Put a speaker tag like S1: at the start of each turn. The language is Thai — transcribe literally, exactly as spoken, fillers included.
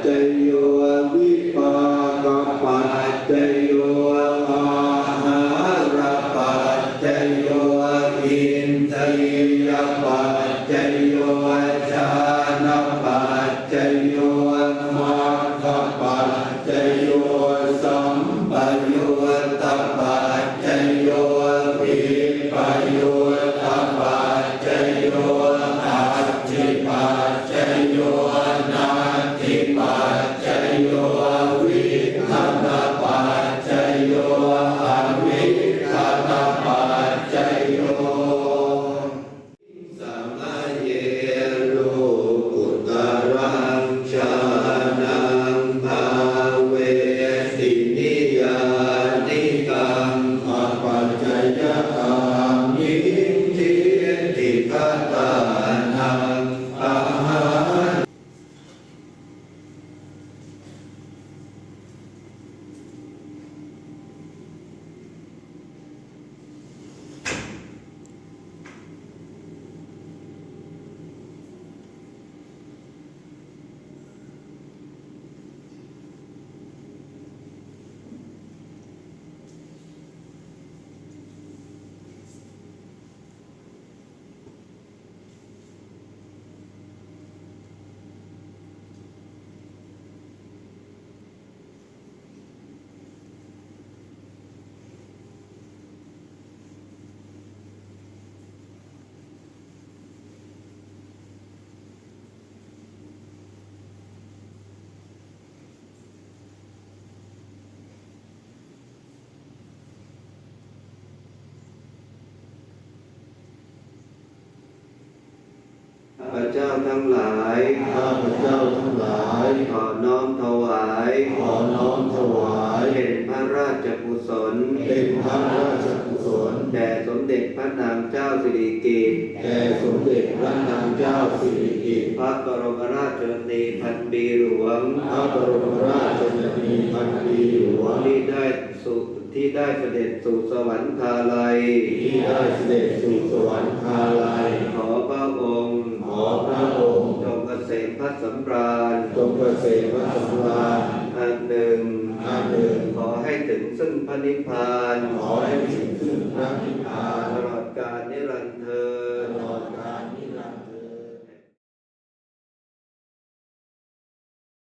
S1: โยวิปากปัจจโยอาหารปัจจโยอินทรียปัจจโยฌานปัจจโยมรรคปัจจโยสัมปยุตตปัจจโยวิปยุตตปัจจโยอัตถิปัจจโยนาทิปัจจโยวิคัตปัจจโยอวิคัตปัจจโยสัมมาเยโลกุตรังชานังภาเวสินิยานิกังอปัจจยกามิทิติคตานังอาหาร ข้าพเจ้าทั้งหลายข้าพเจ้าทั้งหลายขอน้อมถวายขอน้อมถวายเป็นพระราชกุศลเป็นพระราชกุศลแด่สมเด็จพระนางเจ้าสิริกิติ์แด่สมเด็จพระนางเจ้าสิริกิติ์พระบรมราชชนนีพันปีหลวงพระบรมราชชนนีพันปีหลวงที่ได้สุที่ได้เสด็จสู่สวรรคาลัยที่ได้เสด็จสู่สวรรคาลัยขอพระองค์ขอพระองค์จงเกษมพระสำราญจงเกษมพระสำราญอันหนึ่งอันหนึ่งขอให้ถึงซึ่งพระนิพพานขอให้ถึงซึ่งพระนิพพานตลอดกาลนิรันดร์เทอ